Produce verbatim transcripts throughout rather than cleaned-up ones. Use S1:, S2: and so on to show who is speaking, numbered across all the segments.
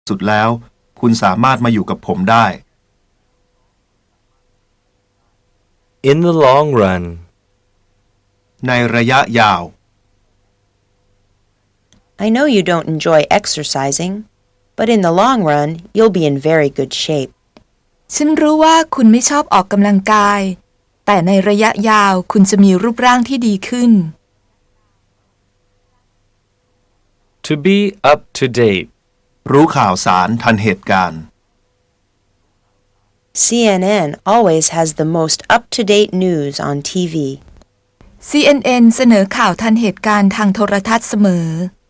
S1: สุดแล้วคุณสามารถมาอยู่กับผมได้
S2: In the long run
S1: ในระยะยาว
S3: I know you don't enjoy exercising, but in the long run, you'll be in very good shape.
S4: ฉันรู้ว่าคุณไม่ชอบออกกำลังกายแต่ในระยะยาวคุณจะมีรูปร่างที่ดีขึ้น
S2: To be up to date
S1: รู้ข่าวสารทันเหตุการณ์
S3: C N N always has the most up-to-date news on T V.
S4: ซี เอ็น เอ็น เสนอข่าวทันเหตุการณ์ทางโทรทัศน์เสมอ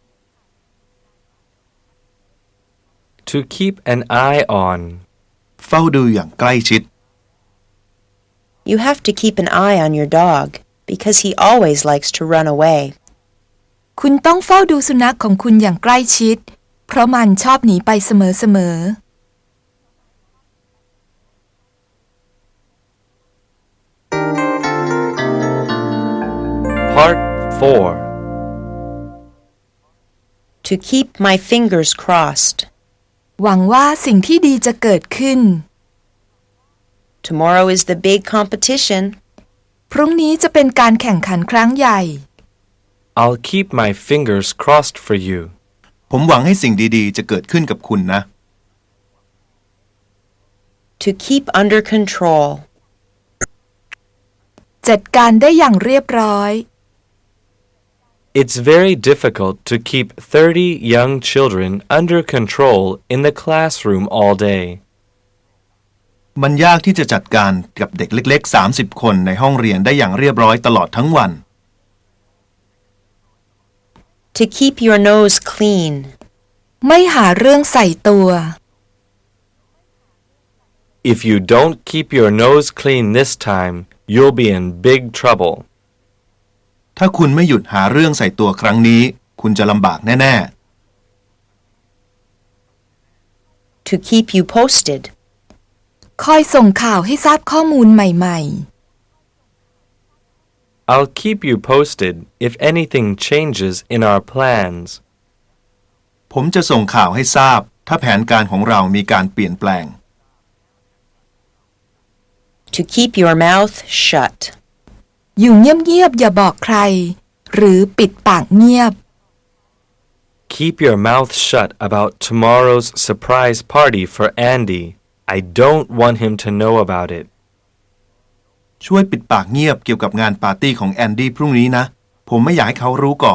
S2: To keep an eye on
S1: เฝ้าดูอย่างใกล้ชิด
S3: You have to keep an eye on your dog because he always likes to run away.
S4: คุณต้องเฝ้าดูสุนัขของคุณอย่างใกล้ชิดเพราะมันชอบหนีไปเสมอๆ
S2: Part four
S3: To keep my fingers crossed.
S4: หวังว่าสิ่งที่ดีจะเกิดขึ้น
S3: Tomorrow is the big competition.
S4: พรุ่งนี้จะเป็นการแข่งขันครั้งใหญ่
S2: I'll keep my fingers crossed for you.
S1: ผมหวังให้สิ่งดีๆจะเกิดขึ้นกับคุณนะ
S3: To keep under control.
S4: จัดการได้อย่างเรียบร้อย
S2: It's very difficult to keep thirty young children under control in the classroom all day.
S1: มันยากที่จะจัดการกับเด็กเล็กๆสามสิบคนในห้องเรียนได้อย่างเรียบร้อยตลอดทั้งวัน
S3: To keep your nose clean.
S4: ไม่หาเรื่องใส่ตัว
S2: If you don't keep your nose clean this time, you'll be in big trouble.
S1: ถ้าคุณไม่หยุดหาเรื่องใส่ตัวครั้งนี้คุณจะลำบากแน่
S3: To keep you posted.
S4: คอยส่งข่าวให้ทราบข้อมูลใหม่ๆ
S2: I'll keep you posted if anything changes in our plans.
S1: ๆ ผมจะส่งข่าวให้ทราบถ้าแผนการของเรามีการเปลี่ยนแปลง
S3: To keep your mouth shut.
S4: อยู่เงียบๆอย่าบอกใครหรือปิดปากเงียบ
S2: Keep your mouth shut about tomorrow's surprise party for Andy. I don't want him to know about it.
S1: ช่วยปิดปากเงียบเกี่ยวกับงานปาร์ตี้ของแอนดี้พรุ่งนี้นะผมไม่อยากให้เขารู้ก่อน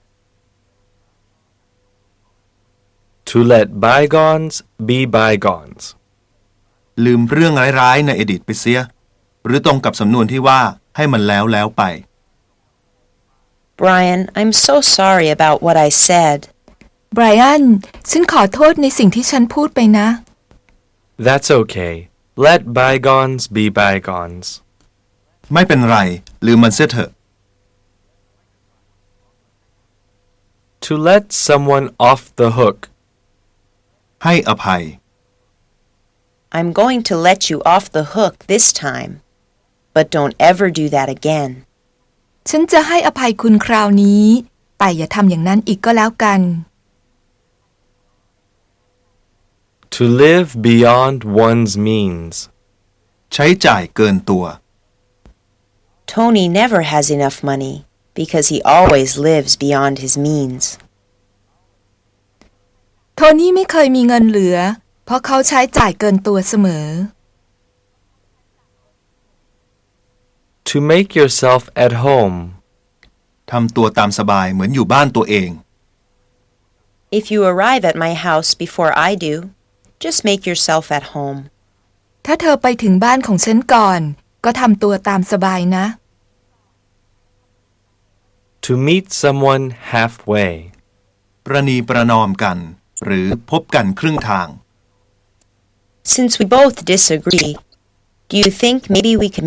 S2: To let bygones be bygones.
S1: ลืมเรื่องร้ายๆในอดีตไปเสียหรือตรงกับสำนวนที่ว่าให้มันแล้วแล้วไป
S3: Brian, I'm so sorry about what I said.
S4: Brian ฉันขอโทษในสิ่งที่ฉันพูดไปนะ
S2: That's okay. Let bygones be bygones.
S1: ไม่เป็นไรลืมมันเสียเถอะ
S2: To let someone off the hook.
S1: ให้อภัย
S3: I'm going to let you off the hook this time, but don't ever do that again.
S4: ฉันจะให้อภัยคุณคราวนี้แต่อย่าทำอย่างนั้นอีกก็แล้วกัน
S2: To live beyond one's means.
S1: ใช้จ่ายเกินตัว
S3: Tony never has enough money because he always lives beyond his means.
S4: โทนี่ไม่เคยมีเงินเหลือเพราะเขาใช้จ่ายเกินตัวเสมอ
S2: To make yourself at home.
S1: ทำตัวตามสบายเหมือนอยู่บ้านตัวเอง
S3: If you arrive at my house before I do, just make yourself at home.
S4: ถ้าเธอไปถึงบ้านของฉันก่อนก็ทำตัวตามสบายนะ
S2: To meet someone halfway.
S1: ประนีประนอมกันหรือพบกันครึ่งทาง
S3: Since we both disagree, do you think maybe we could